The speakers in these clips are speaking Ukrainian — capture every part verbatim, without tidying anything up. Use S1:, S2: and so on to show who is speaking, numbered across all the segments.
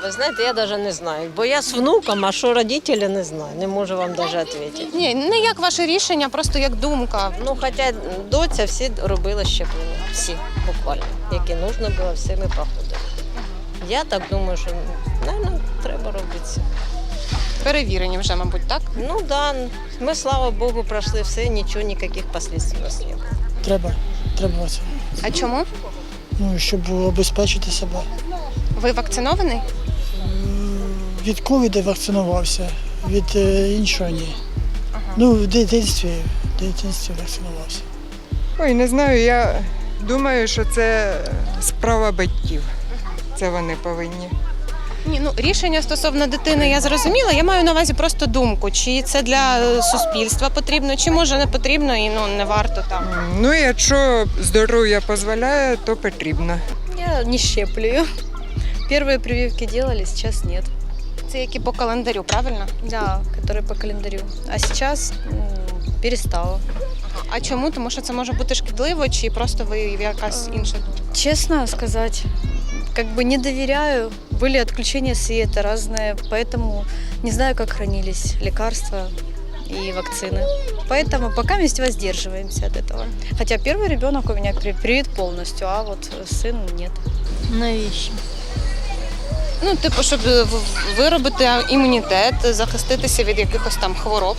S1: Ви знаєте, я навіть не знаю, бо я з внуком, а що батьки, не знаю, не можу вам навіть відповісти.
S2: Ні, не як ваше рішення, просто як думка.
S1: Ну, хоча доця всі робили щеплення, всі буквально, які потрібно було, всі ми проходили. Я так думаю, що, мабуть, треба робити це.
S2: Перевірені вже, мабуть, так?
S1: Ну так, да, ми, слава Богу, пройшли все, нічого, ніяких наслідств у нас немає.
S3: Треба, треба це.
S2: А чому?
S3: Ну, щоб обезпечити себе.
S2: Ви вакцинований?
S3: Від ковіду вакцинувався, від е, іншого ні. Ага. Ну, в дитинстві, в дитинстві вакцинувався.
S4: Ой, не знаю, я думаю, що це справа батьків. Це вони повинні.
S2: Ні, ну рішення стосовно дитини я зрозуміла. Я маю на увазі просто думку, чи це для суспільства потрібно, чи може не потрібно і ну не варто там.
S4: Ну, якщо здоров'я дозволяє, то потрібно.
S5: Я не щеплю. Первые прививки делали, сейчас нет.
S2: Це які по календарю, правильно?
S5: Да, которые по календарю. А сейчас м, перестала.
S2: А чому? Тому що це може бути шкідливо, чи просто ви якась інша думка?
S5: Честно сказать, как бы не доверяю. Были отключения света разные, поэтому не знаю, как хранились лекарства и вакцины. Поэтому пока вместе воздерживаемся от этого. Хотя первый ребенок у меня при- привит полностью, а вот сын нет.
S1: Навіщо?
S2: Ну, типу, щоб в- виробити імунітет, захиститися від якихось там хвороб.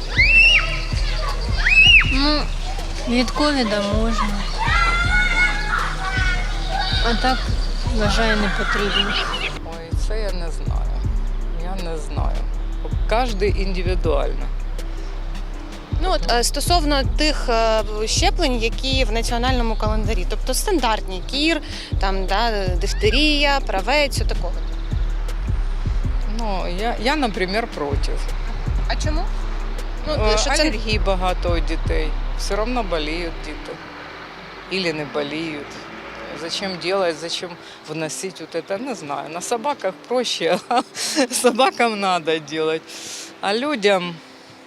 S6: Ну, від ковіда можна. А так, вважаю, не потрібно.
S7: Ой, це я не знаю. Я не знаю. Кожен індивідуально.
S2: Ну от е, стосовно тих е, щеплень, які в національному календарі, тобто стандартні кір, там да, дифтерія, правець, такого.
S7: Ну, я, я, наприклад, проти.
S2: А чому? Ну,
S7: Е,
S2: що це
S7: Алергії багато у дітей. Все одно боліють діти. Або не боліють. Зачем делать, зачем вносить вот это, не знаю. На собаках проще, а собакам надо делать. А людям,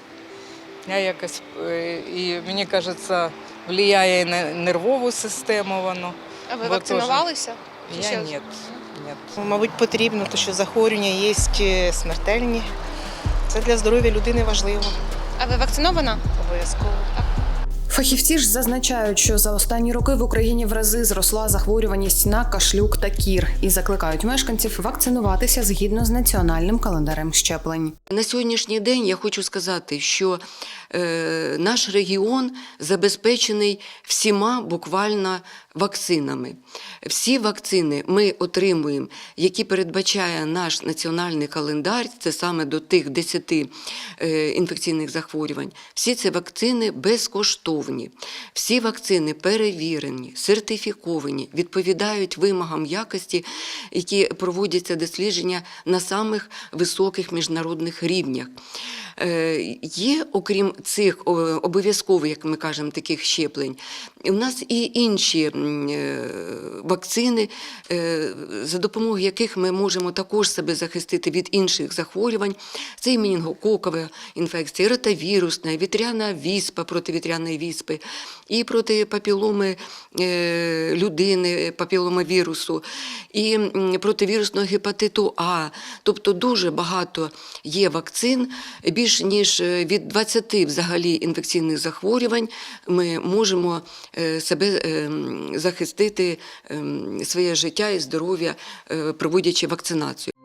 S7: я якось, е, і мені кажеться, впливає на нервову систему воно.
S2: А ви
S7: Бо
S2: вакцинувалися? Чи
S7: Я
S2: ще?
S7: ні. Ні.
S8: Мабуть, потрібно, тому що захворювання є смертельні. Це для здоров'я людини важливо.
S2: А ви вакцинована?
S8: Обов'язково.
S9: Фахівці ж зазначають, що за останні роки в Україні в рази зросла захворюваність на кашлюк та кір і закликають мешканців вакцинуватися згідно з національним календарем щеплень.
S10: На сьогоднішній день я хочу сказати, що е, наш регіон забезпечений всіма буквально вакцинами. Всі вакцини ми отримуємо, які передбачає наш національний календар, це саме до тих десяти е, інфекційних захворювань. Всі ці вакцини безкоштовні. Всі вакцини перевірені, сертифіковані, відповідають вимогам якості, які проводяться дослідження на самих високих міжнародних рівнях. Є, окрім цих обов'язкових, як ми кажемо, таких щеплень, у нас і інші вакцини, за допомогою яких ми можемо також себе захистити від інших захворювань. Це і менінгококова інфекція, ротавірусна, вітряна віспа, проти вітряної віспи, і проти папіломи людини, папіломавірусу, і проти вірусного гепатиту А. Тобто дуже багато є вакцин, більш ніж від двадцяти взагалі інфекційних захворювань ми можемо себе захистити, своє життя і здоров'я, проводячи вакцинацію.